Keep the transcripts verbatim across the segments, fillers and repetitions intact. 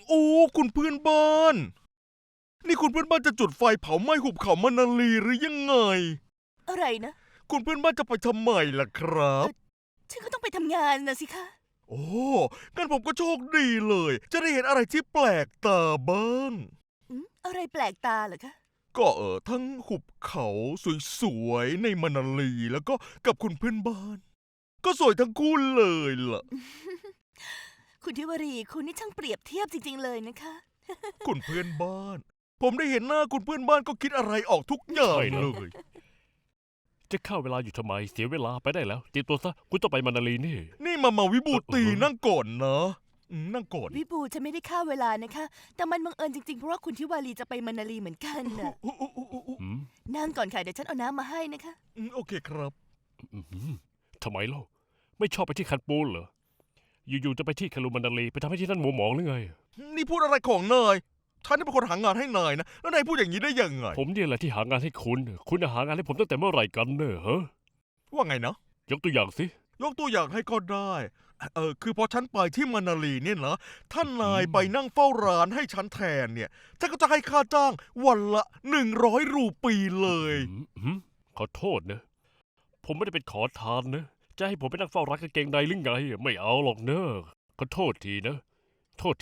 โอ้คุณเพื่อนบ้านนี่คุณเพื่อนบ้านจะจุดไฟเผาไหม้หุบเขามะนาลีหรือยังไงอะไรนะคุณเพื่อนบ้านจะไปทำไมล่ะครับฉันก็ต้องไปทำงานนะสิคะโอ้งั้นผมก็โชคดีเลยจะได้เห็นอะไรที่แปลกตาบ้างอืมอะไรแปลกตาเหรอคะก็เออทั้งหุบเขาสวยๆในมะนาลีแล้วก็กับคุณเพื่อนบ้านก็สวยทั้งคู่เลยล่ะคุณทิวรีคุณนี่ช่างเปรียบเทียบจริงๆเลยนะคะคุณเพื่อนบ้าน ผมได้เห็นหน้าคุณเพื่อนบ้านก็คิดอะไรออกทุกอย่างใช่นะเลยจะเข้าเวลาอยู่ทำไมเสียเวลาไปได้แล้วเตรียมตัวซะคุณต้องไปมานาลีนี่นี่มามาวิบูตีเออเออนั่งก่อนนะอืมนั่งก่อนวิบูฉันไม่ได้ฆ่าเวลานะคะ แต่มันบังเอิญจริงๆเพราะว่าคุณทิวารีจะไปมานาลีเหมือนกันน่ะอุ๊อุ๊อุ๊อุ๊อุ๊อืมนั่งก่อนค่ะเดี๋ยวฉันเอาน้ำมาให้นะคะอืมโอเคครับอืมทำไมเล่าไม่ชอบไปที่คันปูนเหรออยู่ๆจะไปที่คาลูมานาลีไปทำให้ที่นั่นหมัวหมองหรือไงนี่พูดอะไรของนายฉันนี่เป็นคนหางานให้นายนะแล้วนายพูดอย่างนี้ได้ยังไงผมเนี่ยแหละที่หางานให้คุณ คุณน่ะหางานให้ผมตั้งแต่เมื่อไหร่กันเนอะฮะว่าไงนะยกตัวอย่างสิยกตัวอย่างให้ก็ได้เออคือพอฉันไปที่มานาลีเนี่ยนะท่านนายไปนั่งเฝ้าร้านให้ฉันแทนเนี่ยฉันก็จะให้ค่าจ้างวันละหนึ่งร้อยรูปีเลยอืมอืมขอโทษนะ ผมไม่ได้เป็นขอทานนะ จะให้ผมไปนั่งเฝ้าร้านกางเกงในหรือไง ไม่เอาหรอกเนอะขอโทษทีนะ โทษที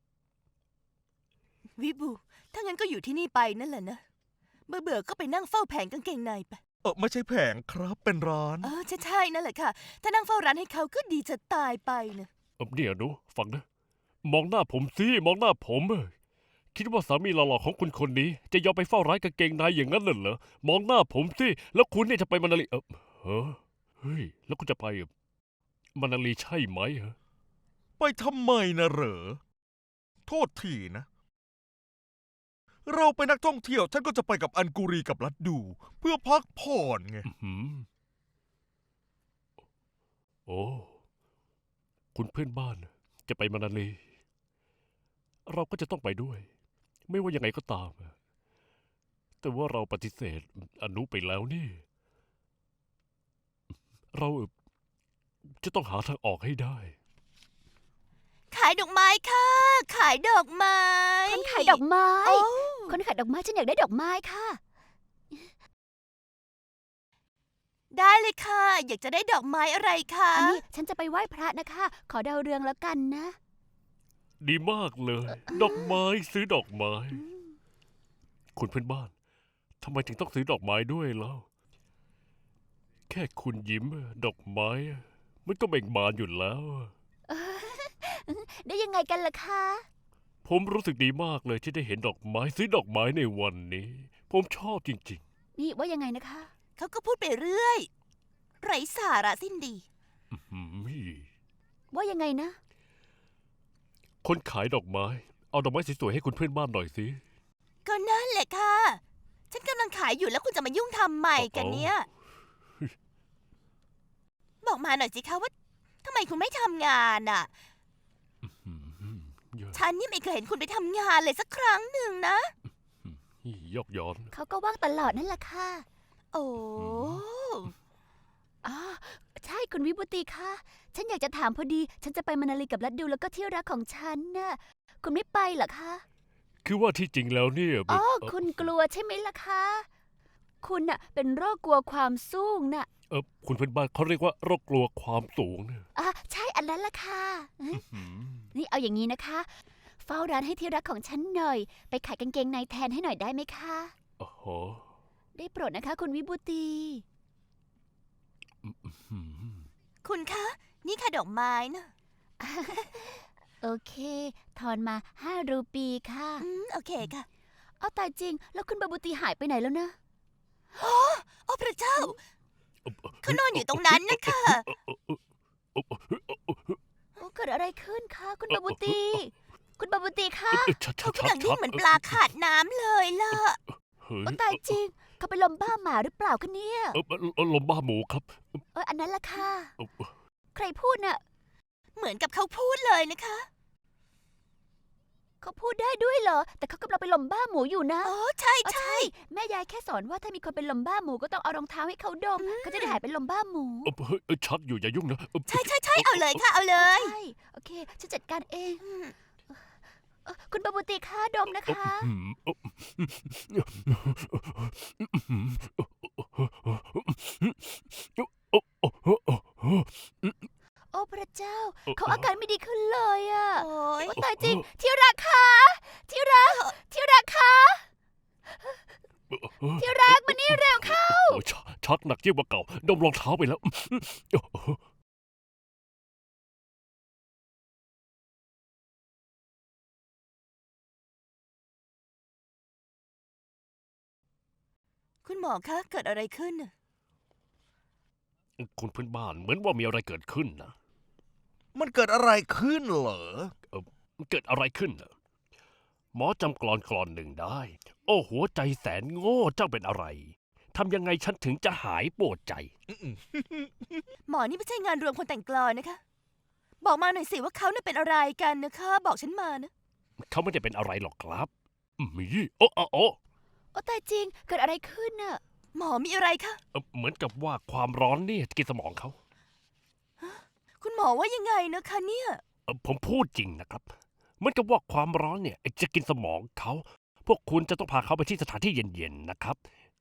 วิบูถ้างั้นก็อยู่ที่นี่ไปนั่นแหละนะเบื่อเบื่อๆก็ไปนั่งเฝ้าแผงกางเกงในไปเออไม่ใช่แผงครับเป็นร้านเออใช่ใช่นั่นแหละค่ะ ถ้านั่งเฝ้าร้านให้เขาก็ดีจะตายไปนะเออเนี่ยหนูฟังนะ มองหน้าผมสิมองหน้าผมเอ้ยคิดว่าสามีหล่อๆของคุณคนนี้ จะยอมไปเฝ้าร้านกางเกงในอย่างนั้นเหรอมองหน้าผมสิแล้วคุณเนี่ยจะไปมานาลีเออเฮ้อเฮ้ยแล้วคุณจะไปมานาลีใช่ไหมฮะไปทำไมนะเหรอ โทษทีนะ เราเป็นนักท่องเที่ยวฉันก็จะไปกับอันกุรีกับลัดดู เพื่อพักผ่อนไงอื้อหือโอ้คุณเพื่อนบ้านจะไปมานาลี เราก็จะต้องไปด้วย ไม่ว่ายังไงก็ตาม แต่ว่าเราปฏิเสธอนุไปแล้วนี่ เราจะต้องหาทางออกให้ได้ขายดอกไม้ค่ะ ขายดอกไม้คนขายดอกไม้โอ้คนขายดอกไม้ฉันอยากได้ดอกไม้ค่ะได้เลยค่ะ อยากจะได้ดอกไม้อะไรคะอันนี้ฉันจะไปไหว้พระนะคะ ขอดาวเรืองแล้วกันนะดีมากเลย ดอกไม้ซื้อดอกไม้ คุณเพื่อนบ้านทำไมถึงต้องซื้อดอกไม้ด้วยเล่าแค่คุณยิ้มดอกไม้ มันก็เบ่งบานอยู่แล้วได้ยังไงกันล่ะคะผมรู้สึกดีมากเลยที่ได้เห็นดอกไม้ซื้อดอกไม้ในวันนี้ ผมชอบจริงนี่ว่ายังไงนะคะเขาก็พูดไปเรื่อย ไร้สาระสิ้นดีๆอื้อหือว่ายังไงนะคนขายดอกไม้ เอาดอกไม้สวยๆให้คุณเพื่อนบ้านหน่อยสิก็นั่นแหละค่ะ ฉันกำลังขายอยู่แล้วคุณจะมายุ่งทำไมกันเนี่ย บอกมาหน่อยสิคะว่าทำไมคุณไม่ทำงานอ่ะอืมเยอะฉันนี่ไม่เคยเห็นคุณไปทำงานเลยสักครั้งหนึ่งนะยอกย้อนเขาก็ว่างตลอดนั่นแหละค่ะโอ้อ๋อใช่คุณวิบูตีค่ะ ฉันอยากจะถามพอดี ฉันจะไปมานาลีกับลัดดูแล้วก็ที่รักของฉันน่ะ คุณไม่ไปเหรอคะคือว่าที่จริงแล้วเนี่ยอ๋อเอ่อคุณกลัวใช่ไหมล่ะคะ คุณน่ะเป็นโรคกลัวความสูงน่ะเออคุณเพื่อนบ้านเขาเรียกว่าโรคกลัวความสูงเนี่ยอ่ะใช่อันนั้นล่ะค่ะอื้อหือนี่เอาอย่างนี้นะคะ เฝ้าร้านให้ที่รักของฉันหน่อย ไปขายกางเกงในแทนให้หน่อยได้ไหมคะโอ้โหได้โปรดนะคะ คุณวิบูตีอืมคุณคะ นี่ค่ะดอกไม้นะโอเค ทอนมาห้ารูปีค่ะอืมโอเคค่ะเอาตายจริง แล้วคุณบาบูตีหายไปไหนแล้วนะโอ้พระเจ้า เขานอนอยู่ตรงนั้นนะคะโอ้เกิดอะไรขึ้นคะคุณบาบูตี คุณบาบูตีคะเอ่อชัดๆเขากำลังนิ่งเหมือนปลาขาดน้ำเลยล่ะเฮ้ยโอ้ตายจริง เขาไปนลมบ้าหมาหรือเปล่าคะเนี่ยเออเออลมบ้าหมูครับเอออันนั้นล่ะค่ะเออใครพูดน่ะเหมือนกับเขาพูดเลยนะคะเขาพูดได้ด้วยเหรอ แต่เขากำลังไปนลมบ้าหมูอยู่นะโอ้ใช่อ๋อใช่แม่ยายแค่สอนว่าถ้ามีคนเป็นลมบ้าหมูก็ต้องเอารองเท้าให้เขาดมเขาจะได้หายเป็นลมบ้าหมูเออเฮ้ยเออชัดอยู่อย่ายุ่งนะเออใช่ใช่ใช่เอาเลยค่ะ เอาเลยใช่ โอเค ฉันจัดการเองอืมเอ่อคุณบาบูติคะดมนะคะอืมโอ้พระเจ้า เขาอาการไม่ดีขึ้นเลยอะโอ้ยโอ้ตายจริง ที่รักคะที่รัก ที่รักคะที่รักมานี่เร็วเข้าโอ้ชชักหนักยิ่งกว่าเก่าดมรองเท้าไปแล้วคุณหมอคะเกิดอะไรขึ้นน่ะคุณเพื่อนบ้านเหมือนว่ามีอะไรเกิดขึ้นนะมันเกิดอะไรขึ้นเหรอเกิดอะไรขึ้นน่ะหมอจำกลอนกลอนหนึ่งได้ โอ้หัวใจแสนโง่เจ้าเป็นอะไรทำยังไงฉันถึงจะหายปวดใจหมอนี่ไม่ใช่งานรวมคนแต่งกลอนนะคะ บอกมาหน่อยสิว่าเขาเนี่ยเป็นอะไรกันนะคะ บอกฉันมานะเขาไม่ได้เป็นอะไรหรอกครับมีโอ้โอ้โอ้โอ้ตายจริง เกิดอะไรขึ้นน่ะหมอมีอะไรคะเอ่อเหมือนกับว่าความร้อนนี่กินสมองเขาคุณหมอว่ายังไงนะคะเนี่ยเอ่อผมพูดจริงนะครับเหมือนกับว่าความร้อนเนี่ยจะกินสมองเขา พวกคุณจะต้องพาเขาไปที่สถานที่เย็นๆนะครับ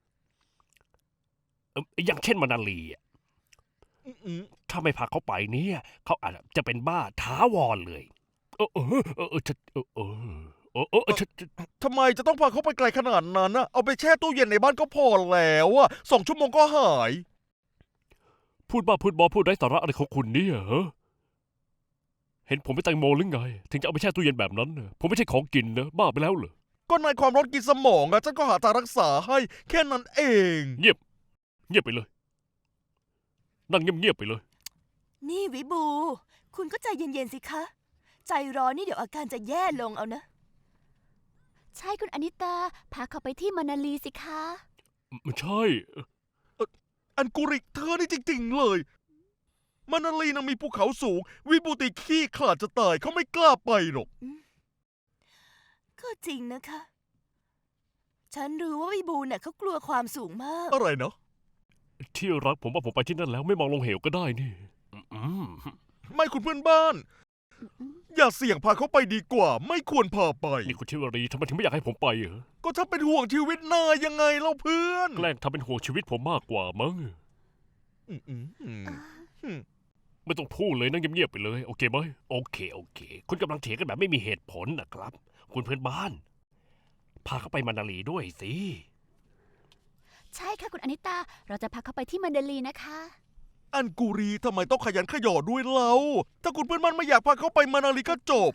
เอ่ออย่างเช่นมานาลีอะอืมถ้าไม่พาเขาไปเนี่ยเขาอาจจะเป็นบ้าท้าวรเลย เออเออเออเออฉันเออเออเออเออฉันฉันทำไมจะต้องพาเขาไปไกลขนาดนั้นนะเอาไปแช่ตู้เย็นในบ้านก็พอแล้วอะสองชั่วโมงก็หายพูดบ้าพูดบอพูดไร้สาระอะไรของคุณเนี่ยฮะเห็นผมเป็นแตงโมหรือไง ถึงจะเอาไปแช่ตู้เย็นแบบนั้นน่ะผมไม่ใช่ของกินนะบ้าไปแล้วเหรอก็นายความร้อนกินสมองอะฉันก็หาทางรักษาให้ แค่นั้นเองเงียบ เงียบไปเลย นั่งเงียบๆไปเลยนี่วิบู คุณก็ใจเย็นๆสิคะ ใจร้อนนี่เดี๋ยวอาการจะแย่ลงเอานะใช่คุณอนิตา พาเขาไปที่มานาลีสิคะไม่ใช่อันกุริเธอนี่จริงๆเลย มานาลีนะมีภูเขาสูง วิบูติขี้ขลาดจะตายเขาไม่กล้าไปหรอกก็จริงนะคะ ฉันรู้ว่าวิบูเนี่ยเขากลัวความสูงมากอะไรเนาะที่รักผมว่าผมไปที่นั่นแล้วไม่มองลงเหวก็ได้นี่อืมไม่คุณเพื่อนบ้าน อย่าเสี่ยงพาเขาไปดีกว่า ไม่ควรพาไปนี่คุณทิวารีทำไมถึงไม่อยากให้ผมไปเหรอก็ถ้าเป็นห่วงชีวิตนายยังไงเล่าเพื่อนแกล้งทำเป็นห่วงชีวิตผมมากกว่ามั้งอืมอืมอืมอืมไม่ต้องพูดเลยนั่งเงียบๆไปเลย โอเคไหมโอเคโอเค คุณกำลังเถียงกันแบบไม่มีเหตุผลนะครับ คุณเพื่อนบ้าน พาเขาไปมานาลีด้วยสิใช่ค่ะคุณอนิตา เราจะพาเขาไปที่มานาลีนะคะอันกุรีทำไมต้องขยันขยอด้วยเล่าถ้าคุณเพื่อนบ้านไม่อยากพาเขาไปมานาลีก็จบ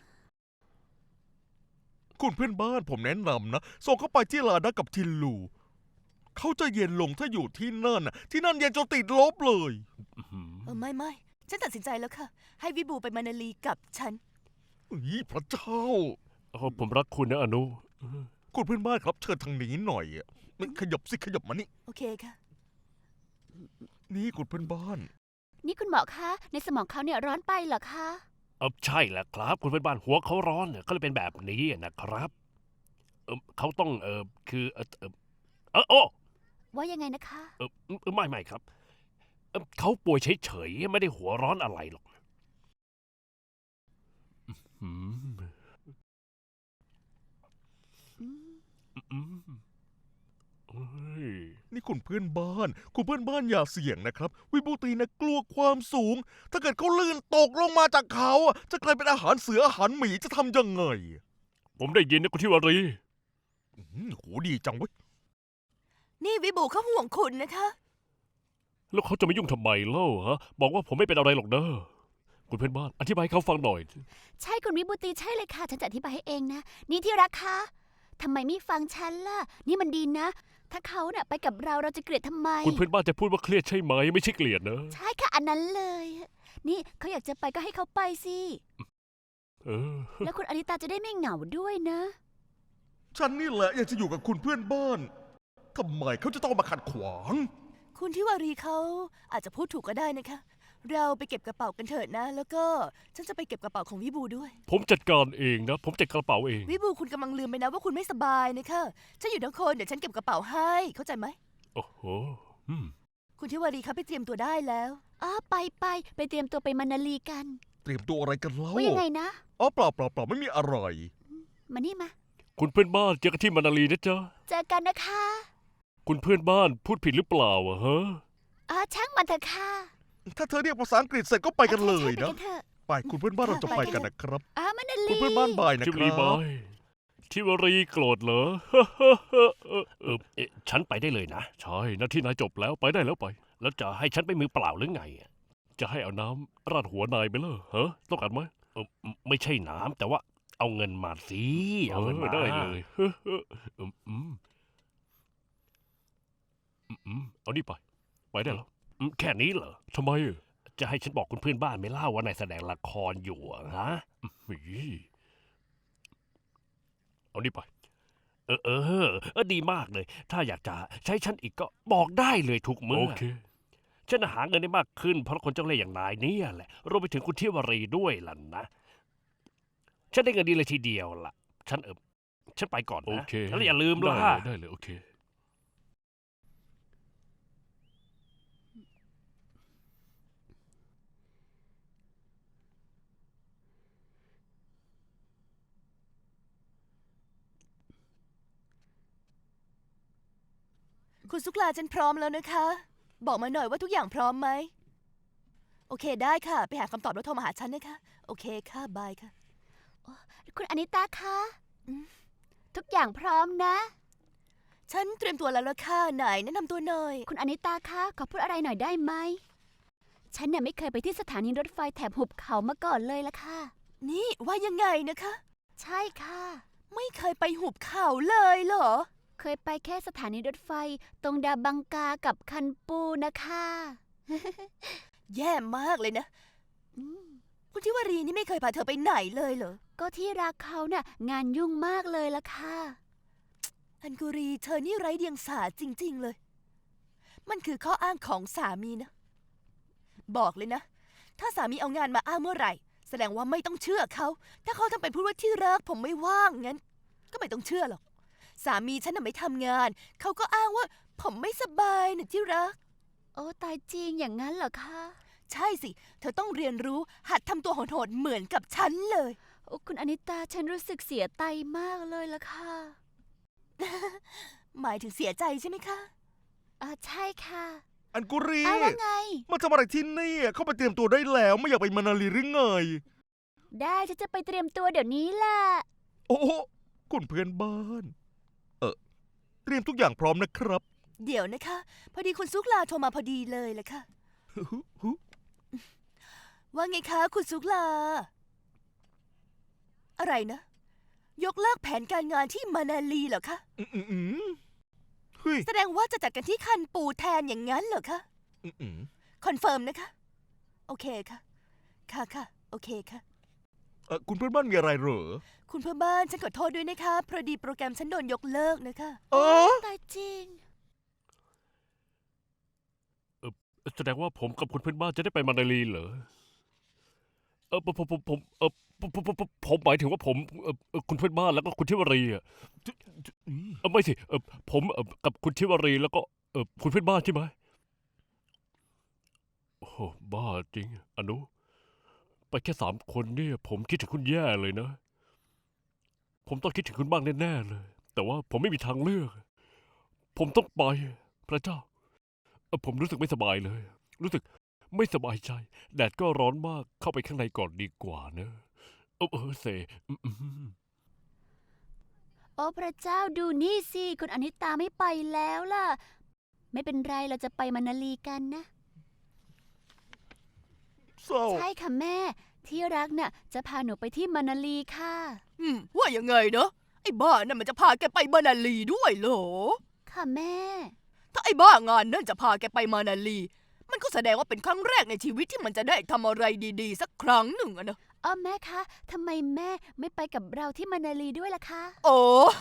คุณเพื่อนบ้านผมแนะนำนะส่งเขาไปที่ลาดักกับทินลู เขาจะเย็นลงถ้าอยู่ที่นั่นน่ะที่นั่นเย็นจนติดลบเลยอื้อหือเออไม่ไม่ฉันตัดสินใจแล้วค่ะ ให้วิบูไปมานาลีกับฉันอีพระเจ้าโอ้ผมรักคุณนะอนุคุณเพื่อนบ้านครับเชิญทางนี้หน่อยอะมันขยับสิขยับมานี่โอเคค่ะนี่คุณเพื่อนบ้านนี่คุณหมอคะ ในสมองเขาเนี่ยร้อนไปเหรอคะเออใช่แหละครับ คุณเพื่อนบ้านหัวเขาร้อนเนี่ยก็เลยเป็นแบบนี้นะครับเออเขาต้องเออคือเออเออเออโอ้ว่ายังไงนะคะเออเออไม่ไม่ครับเอ่อเขาป่วยเฉยๆไม่ได้หัวร้อนอะไรหรอกอืมอืมเฮ้ยนี่คุณเพื่อนบ้าน คุณเพื่อนบ้านอย่าเสี่ยงนะครับ วิบูตีนะกลัวความสูง ถ้าเกิดเขาลื่นตกลงมาจากเขาอะจะกลายเป็นอาหารเสืออาหารหมีจะทำยังไงผมได้ยินนะคุณทิวารีอื้อหือโหดีจังเว้ยนี่วิบูเขาห่วงคุณนะคะแล้วเขาจะมายุ่งทำไมเล่าฮะบอกว่าผมไม่เป็นอะไรหรอกเด้อคุณเพื่อนบ้านอธิบายให้เขาฟังหน่อยใช่คุณวิบูตีใช่เลยค่ะ ฉันจะอธิบายให้เองนะ นี่ที่รักคะทำไมไม่ฟังฉันล่ะ นี่มันดีนะ ถ้าเขาเนี่ยไปกับเราเราจะเกลียดทำไมคุณเพื่อนบ้านจะพูดว่าเครียดใช่ไหมไม่ใช่เกลียดนะใช่ค่ะ อันนั้นเลย นี่เขาอยากจะไปก็ให้เขาไปสิเออแล้วคุณอนิตาจะได้ไม่เหงาด้วยนะฉันนี่แหละอยากจะอยู่กับคุณเพื่อนบ้านทำไมเขาจะต้องมาขัดขวางคุณทิวารีเขาอาจจะพูดถูกก็ได้นะคะ เราไปเก็บกระเป๋ากันเถิดนะ แล้วก็ฉันจะไปเก็บกระเป๋าของวิบูด้วยผมจัดการเองนะ ผมจัดกระเป๋าเองวิบูคุณกำลังลืมไปนะว่าคุณไม่สบายนะคะฉันอยู่ทั้งคนเดี๋ยวฉันเก็บกระเป๋าให้ เข้าใจไหมโอ้โหอืมคุณทิวารีเขาไปเตรียมตัวได้แล้วอ๋อไปไปไปเตรียมตัวไปมานาลีกันเตรียมตัวอะไรกันเล่าว่ายังไงนะอ๋อเปล่าเปล่าเปล่าไม่มีอะไรมานี่มาคุณเพื่อนบ้านเจอกันที่มานาลีนะจ๊ะเจอกันนะคะคุณเพื่อนบ้านพูดผิดหรือเปล่าอะฮะอ๋อช่างมันเถอะค่ะถ้าเธอเรียกภาษาอังกฤษเสร็จก็ไปกันเลยใช่ๆไปนะกันเถอะไปคุณเพื่อนบ้านเราจะไปกันนะครับอ๋อมานาลีคุณเพื่อนบ้านบายนะชิควรัรีบาบยชิวรีโกรธเหรอ เออเออเอ๊ะฉันไปได้เลยนะ ใช่หน้าที่นายจบแล้วไปได้แล้วไป แล้วจะให้ฉันไปมือเปล่าหรือไงอะจะให้เอาน้ำราดหัวนายไปเลยฮะต้องการไหมเออไม่ใช่น้ำแต่ว่าเอาเงินมาสิเอาเงินมาได้เลยเอออืมอืมอืมอืมเอานี่ไป ไปได้แล้วอืมแค่นี้เหรอทำไมอะจะให้ฉันบอกคุณเพื่อนบ้านไหม่เล่าว่านายแสดงละครอยู่อะฮะอืมอีเอานี่ไป เออเออเออดีมากเลย ถ้าอยากจะใช้ฉันอีกก็บอกได้เลยทุกเมื่อโอเคฉันหาเงินได้มากขึ้นเพราะคนเจ้าเล่ห์อย่างนายเนี่ยแหละรวมไปถึงคุณเที่ยวรีด้วยล่ะนะ ฉันได้เงินดีเลยทีเดียวล่ะ ฉันเออฉันไปก่อนโอนะเคแล้วอย่าลืมได้ล่ะเลยได้เลยโอเคคุณซุกลาฉันพร้อมแล้วนะคะ บอกมาหน่อยว่าทุกอย่างพร้อมไหม โอเคได้ค่ะ ไปหาคำตอบแล้วโทรมาหาฉันนะคะ โอเคค่ะ บายค่ะคุณอนิตาคะอืมทุกอย่างพร้อมนะฉันเตรียมตัวแล้วละค่ะไหนแนะนำตัวหน่อยคุณอนิตาคะขอพูดอะไรหน่อยได้ไหม ฉันเนี่ยไม่เคยไปที่สถานีรถไฟแถบหุบเขามาก่อนเลยละค่ะนี่ว่ายังไงนะคะใช่ค่ะไม่เคยไปหุบเขาเลยเหรอเคยไปแค่สถานีรถไฟ ตรงดาบังกากับคันปูนะคะแย่มากเลยนะอืมคุณทิวารีนี่ไม่เคยพาเธอไปไหนเลยเหรอก็ที่รักเขาเนี่ยงานยุ่งมากเลยละค่ะอันกุรีเธอนี่ไร้เดียงสาจริง ๆ เลย มันคือข้ออ้างของสามีนะ บอกเลยนะ ถ้าสามีเอางานมาอ้างเมื่อไหร่ แสดงว่าไม่ต้องเชื่อเขา ถ้าเขาทำเป็นพูดว่าที่รักผมไม่ว่างงั้น ก็ไม่ต้องเชื่อหรอก สามีฉันน่ะไม่ทำงาน เขาก็อ้างว่า ผมไม่สบายนะที่รักโอ้ตายจริงอย่างนั้นเหรอคะใช่สิ เธอต้องเรียนรู้ หัดทำตัวโหดๆเหมือนกับฉันเลยโอ้คุณอนิตาฉันรู้สึกเสียใจมากเลยละค่ะหมายถึงเสียใจใช่ไหมคะอ่าใช่ค่ะอันกุรีอ้าวว่าไงมาทำอะไรที่นี่เข้าไปเตรียมตัวได้แล้วไม่อยากไปมานาลีหรือไงได้ฉันจะไปเตรียมตัวเดี๋ยวนี้แหละโอ้โหคุณเพื่อนบ้าน เออเตรียมทุกอย่างพร้อมนะครับเดี๋ยวนะคะ พอดีคุณซุกลาโทรมาพอดีเลยแหละค่ะ ว่าไงคะ คุณซุกลา อะไรนะ ยกเลิกแผนการงานที่มานาลีเหรอคะอืมอืมอืมเฮ้ยแสดงว่าจะจัดกันที่คันปูแทนอย่างนั้นเหรอคะอืมอืมคอนเฟิร์มนะคะ โอเคค่ะ ค่ะค่ะ โอเคค่ะเออคุณเพื่อนบ้านมีอะไรเหรอคุณเพื่อนบ้านฉันขอโทษด้วยนะคะพอดีโปรแกรมฉันโดนยกเลิกนะคะเออตายจริงแสดงว่าผมกับคุณเพื่อนบ้านจะได้ไปมานาลีเหรอ เออผมผมผมผมเออผมผมผมผมหมายถึงว่าผมเออเออคุณเพื่อนบ้านแล้วก็คุณทิวารีอ่ะเออไม่สิเออผมเออกับคุณทิวารีแล้วก็เออคุณเพื่อนบ้านใช่ไหมโอ้โหบ้าจริงอนุ ไปแค่สามคนเนี่ย ผมคิดถึงคุณแย่เลยนะ ผมต้องคิดถึงคุณบ้างแน่ๆเลย แต่ว่าผมไม่มีทางเลือก ผมต้องไป พระเจ้าเออผมรู้สึกไม่สบายเลย รู้สึกไม่สบายใจ แดดก็ร้อนมาก เข้าไปข้างในก่อนดีกว่าเนอะเออเออเซอืมอืมโอ้พระเจ้าดูนี่สิ คุณอนิตาไม่ไปแล้วล่ะ ไม่เป็นไรเราจะไปมานาลีกันนะเศร้าใช่ค่ะแม่ ที่รักน่ะจะพาหนูไปที่มานาลีค่ะอืม ว่ายังไงเนาะไอ้บ้านั่นมันจะพาแกไปมานาลีด้วยเหรอค่ะแม่ถ้าไอ้บ้างานนั่นจะพาแกไปมานาลี มันก็แสดงว่าเป็นครั้งแรกในชีวิตที่มันจะได้ทำอะไรดีๆ สักครั้งหนึ่งอะนะอ้อแม่คะทำไมแม่ไม่ไปกับเราที่มานาลีด้วยล่ะคะโอ้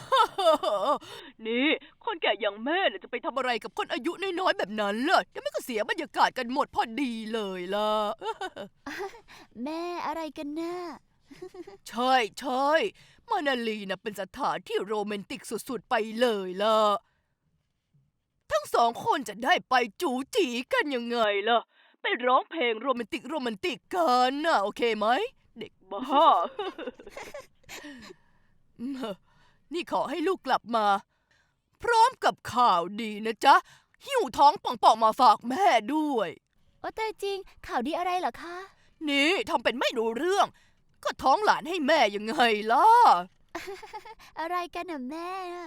นี่ คนแก่อย่างแม่น่ะจะไปทำอะไรกับคนอายุน้อยๆแบบนั้นล่ะเดี๋ยวไม่ก็เสียบรรยากาศกันหมดพอดีเลยล่ะแม่อะไรกันน่ะใช่ใช่มานาลีน่ะเป็นสถานที่โรแมนติกสุดๆไปเลยล่ะ ทั้งสองคนจะได้ไปจูจีกันยังไงล่ะ ไปร้องเพลงโรแมนติกโรแมนติกกันน่ะโอเคไหม เด็กบ้า อือืมนี่ขอให้ลูกกลับมา พร้อมกับข่าวดีนะจ๊ะ หิ้วท้องป่องๆมาฝากแม่ด้วยโอ้แต่จริง ข่าวดีอะไรเหรอคะนี่ทำเป็นไม่รู้เรื่อง ก็ท้องหลานให้แม่ยังไงล่ะอะไรกันน่ะแม่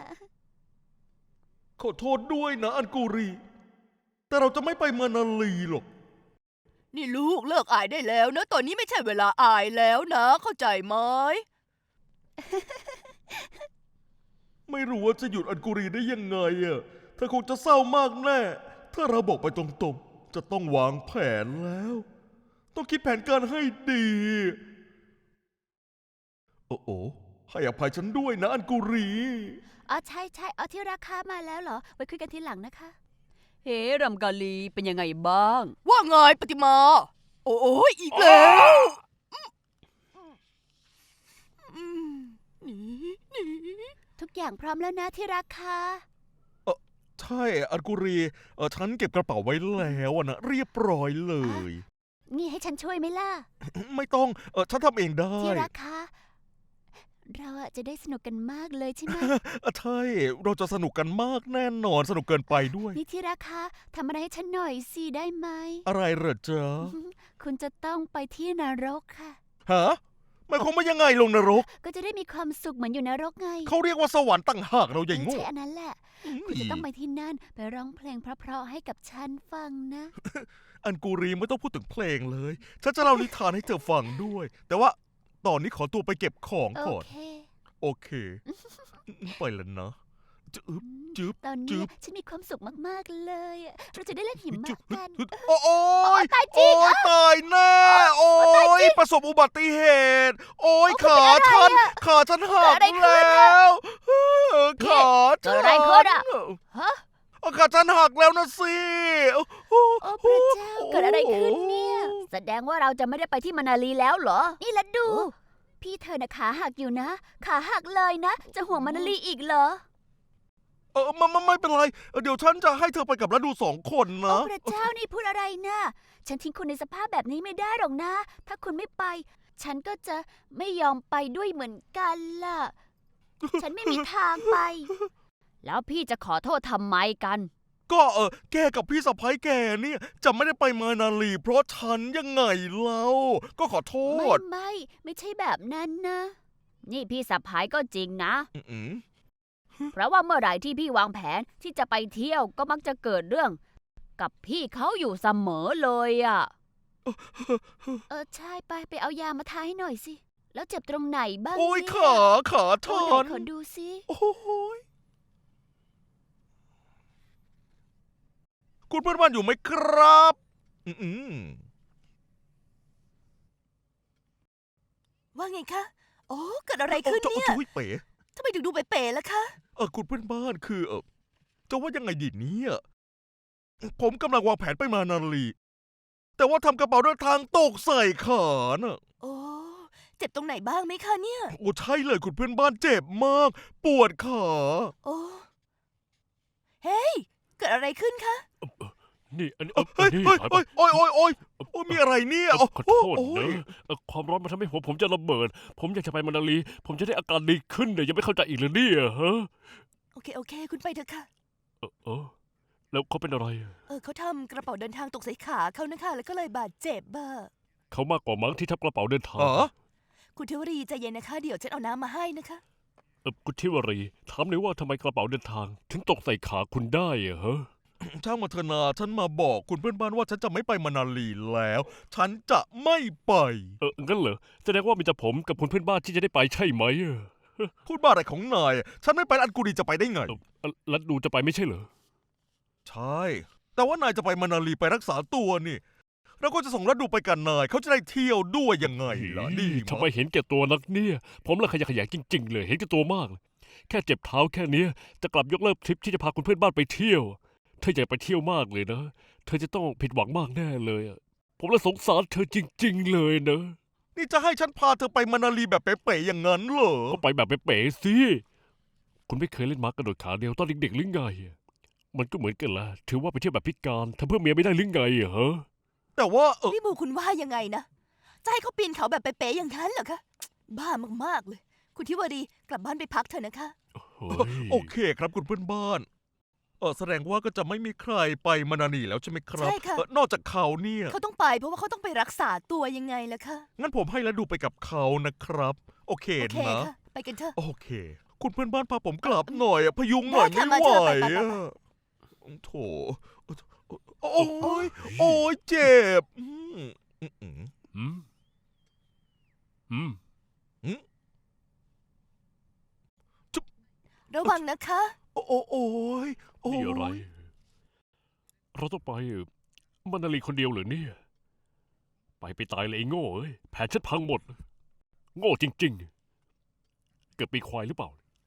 ขอโทษด้วยนะอันกูรี แต่เราจะไม่ไปมานาลีหรอกนี่ลูกเลิกอายได้แล้วนะ ตอนนี้ไม่ใช่เวลาอายแล้วนะ เข้าใจไหมไม่รู้ว่าจะหยุดอันกูรีได้ยังไงอ่ะเธอคงจะเศร้ามากแน่ ถ้าเราบอกไปตรงๆ จะต้องวางแผนแล้ว ต้องคิดแผนการให้ดี โอ้โอ้ให้อภัยฉันด้วยนะอันกูรีอ๋อใช่ใช่เอาที่ราคามาแล้วเหรอ ไว้คุยกันทีหลังนะคะเฮ้รำกาลีเป็นยังไงบ้างว่าไงปฏิมา โอ้ยอีกแล้วอืมหนีหนีทุกอย่างพร้อมแล้วนะที่ราคาใช่อันกูรีเออฉันเก็บกระเป๋าไว้แล้วอะนะเรียบร้อยเลยนี่ให้ฉันช่วยไหมล่ะไม่ต้องเออฉันทำเองได้ที่ราคา เราอะจะได้สนุกกันมากเลยใช่ไหมเออใช่ เราจะสนุกกันมากแน่นอนสนุกเกินไปด้วยนี่ที่ราคาทำอะไรให้ฉันหน่อยสิได้ไหมอะไรเหรอจ๊ะคุณจะต้องไปที่นรกค่ะฮะหมายความว่ายังไงลงนรกก็จะได้มีความสุขเหมือนอยู่นรกไงเขาเรียกว่าสวรรค์ต่างหากเราใหญ่เออโง่ใช่อันนั้นแหละ คุณจะต้องไปที่นั่นไปร้องเพลงเพราะๆให้กับฉันฟังนะอันกูรีไม่ต้องพูดถึงเพลงเลย ฉันจะเล่านิทานให้เธอฟังด้วย แต่ว่าตอนนี้ขอตัวไปเก็บของโอก่อนเคโอเค ไปแล้วนะจึ๊บจึ๊บตอนจึ๊นี้บฉันมีความสุขมากๆเลยอะเราจะได้เล่นหิมะจึ๊บกันโอ้โอ้ยตายจริงโอ้ยตายแน่โอ้ยประสบอุบัติเหตุ โอ้ยโอ้ขาคุณเป็นอะไรฉันอะขาฉันหักเกิดอะไรขึ้นแล้วเออขาเกิดอะไรขึ้นอะฮะเออขาฉันหักแล้วนะสิโอ้โหโอ้พระเจ้าเกิดอะไรขึ้นเนี่ย แสดงว่าเราจะไม่ได้ไปที่มานาลีแล้วเหรอ นี่ละดู พี่เธอน่ะขาหักอยู่นะ ขาหักเลยนะ จะห่วงมานาลีอีกเหรอเออไม่ไม่ไม่เป็นไรเออเดี๋ยวฉันจะให้เธอไปกับแล้วดูสองคนโอ้นะพระเจ้านี่พูดอะไรนะ ฉันทิ้งคุณในสภาพแบบนี้ไม่ได้หรอกนะ ถ้าคุณไม่ไป ฉันก็จะไม่ยอมไปด้วยเหมือนกันล่ะ ฉันไม่มีทางไป แล้วพี่จะขอโทษทำไมกันก็เออแกกับพี่สะพ้ายแกเนี่ยจะไม่ได้ไปมานาลี เพราะฉันยังไงเล่าก็ขอโทไม่ษไม่ ไม่ใช่แบบนั้นนะ นี่พี่สะพ้ายก็จริงนะอืมเพราะว่าเมื่อไหร่ที่พี่วางแผนที่จะไปเที่ยวก็มักจะเกิดเรื่อง กับพี่เขาอยู่เสมอเลยอ่ะ เออใช่ไปไปเอายามาทาให้หน่อยสิ แล้วเจ็บตรงไหนบ้างโอ้ยเนี่ยขาขาโอ้ฉัไหนนขอดูสิโอ้ยคุณเพื่อนบ้านอยู่ไหมครับ อืมว่าไงคะ โอ้เกิดอะไรขึ้นเนี่ยจุ๊ยเป๋ทำไมถึงดูเป๋ๆล่ะคะเออคุณเพื่อนบ้านคือเออจะว่ายังไงดีเนี่ยผมกำลังวางแผนไปมานาลี แต่ว่าทำกระเป๋าเดินทางตกใส่ขาน่ะโอ้ เจ็บตรงไหนบ้างไหมคะเนี่ยโอ้ใช่เลยคุณเพื่อนบ้านเจ็บมาก ปวดขาโอ้ เฮ้ย เกิดอะไรขึ้นคะนี่อันนี้เออเฮ้ยนี่เฮ้ยถอยไปเฮ้ยโอ้ยโอ้ยโอ้ยโอ้ยมีอะไรเนี่ยเอ่อขอโทษโอ้นะยเอ่อความร้อนมันทำให้หัวผมจะระเบิด ผมอยากจะไปมานาลี ผมจะได้อาการดีขึ้นเนี่ยยังไม่เข้าใจอีกเลยเนี่ยฮะโอเค โอเค คุณไปเถอะค่ะเออเออแล้วเขาเป็นอะไรเออเขาทำกระเป๋าเดินทางตกใส่ขาเขานะคะ แล้วก็เลยบาดเจ็บบ้าเขามากกว่ามั้งที่ทับกระเป๋าเดินทางอ๋อคุณเทวรีใจเย็นนะคะ เดี๋ยวฉันเอาน้ำมาให้นะคะเออคุณทิวรีถามหน่อยว่าทำไมกระเป๋าเดินทาง ถึงตกใส่ขาคุณได้อะฮะช่างมาเถอะนาฉันมาบอกคุณเพื่อนบ้านว่าฉันจะไม่ไปมานาลีแล้ว ฉันจะไม่ไปเอองั้นเหรอแสดงว่ามีแต่ผมกับคุณเพื่อนบ้านที่จะได้ไปใช่ไหมอะพูดบ้าอะไรของนาย ฉันไม่ไปอันกูดีจะไปได้ไงเออเอ่อแล้วดูจะไปไม่ใช่เหรอใช่ แต่ว่านายจะไปมานาลีไปรักษาตัวนี่ เราก็จะส่งรัดดูไปกันนาย เขาจะได้เที่ยวด้วยยังไงล่ะดีทำไมมั้ยเห็นแก่ตัวนักเนี่ย ผมละขยะแขยงจริง ๆ เลย เห็นแก่ตัวมากเลยแค่เจ็บเท้าแค่เนี้ยจะกลับยกเลิกทริปที่จะพาคุณเพื่อนบ้านไปเที่ยว เธออยากไปเที่ยวมากเลยนะ เธอจะต้องผิดหวังมากแน่เลยอะผมละสงสารเธอจริง ๆ เลยนะนี่จะให้ฉันพาเธอไปมานาลีแบบเป๋ๆอย่างนั้นเหรอก็ไปแบบเป๋ๆสิ คุณไม่เคยเล่นม้ากระโดดขาเดียวตอนเด็กๆหรือไงอะมันก็เหมือนกันแหละถือว่าไปเที่ยวแบบพิการทำเพื่อเมียไม่ได้หรือไงอะฮะแต่ว่าเออนี่บูคุณว่ายังไงนะ จะให้เขาปีนเขาแบบเป๊ะๆอย่างนั้นเหรอคะ บ้ามากๆเลยคุณทิวารีกลับบ้านไปพักเถอะนะคะเฮ้ยโอเคครับคุณเพื่อนบ้าน เออแสดงว่าก็จะไม่มีใครไปมานานีแล้วใช่ไหมครับใช่ค่ะเอ่อนอกจากเขาเนี่ยเขาต้องไปเพราะว่าเขาต้องไปรักษาตัวยังไงล่ะคะงั้นผมให้แล้วดูไปกับเขานะครับ โอเคโอเคนะค่ะ ไปกันเถอะโอเค คุณเพื่อนบ้านพาผมกลับหน่อยอะพยุงหน่อยได้ไม่ค่ะไหวมาเถอะไปไปไปอะโถโอ้ยโอ้ยเจ็บอืมอืมอืมอืมอืมระวังนะคะโอ้โอ้โอ้ยโอ้นี่อะไรยเราต้องไปมานาลีคนเดียวเหรอเนี่ย ไปไปตายเลยไอ้โง่เอ้ย แผนฉันพังหมด โง่จริง ๆ เกิดปีควายหรือเปล่า